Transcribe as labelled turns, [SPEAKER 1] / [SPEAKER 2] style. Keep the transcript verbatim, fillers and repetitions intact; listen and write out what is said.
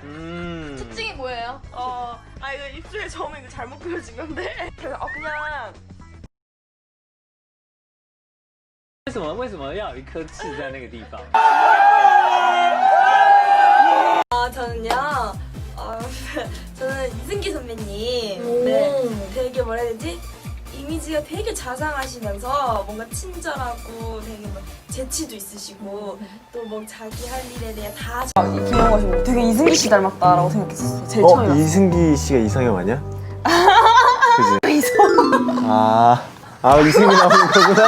[SPEAKER 1] 음.
[SPEAKER 2] 특징이 뭐예요?
[SPEAKER 3] 어, 아 이거 입술에 점이 이거 잘못 그려진 건데. 그래서 어 그냥
[SPEAKER 1] 为什么为什么要有一颗痣在那个地方？
[SPEAKER 4] 아 저는요. 어, 저는 이승기 선배님. 네, 되게 뭐라 해야 되지? 이미지가 되게 자상하시면서 뭔가 친절하고 되게 뭐 재치도 있으시고 또 뭐 자기 할 일에 대해 다
[SPEAKER 3] 귀여워가지고 되게 이승기 씨 닮았다라고 생각했었어. 제일
[SPEAKER 5] 어?
[SPEAKER 3] 처음에. 봤을
[SPEAKER 5] 이승기 씨가 이상형 아니야? 그지? 이성 아, 아 이승기 나오는 거구나.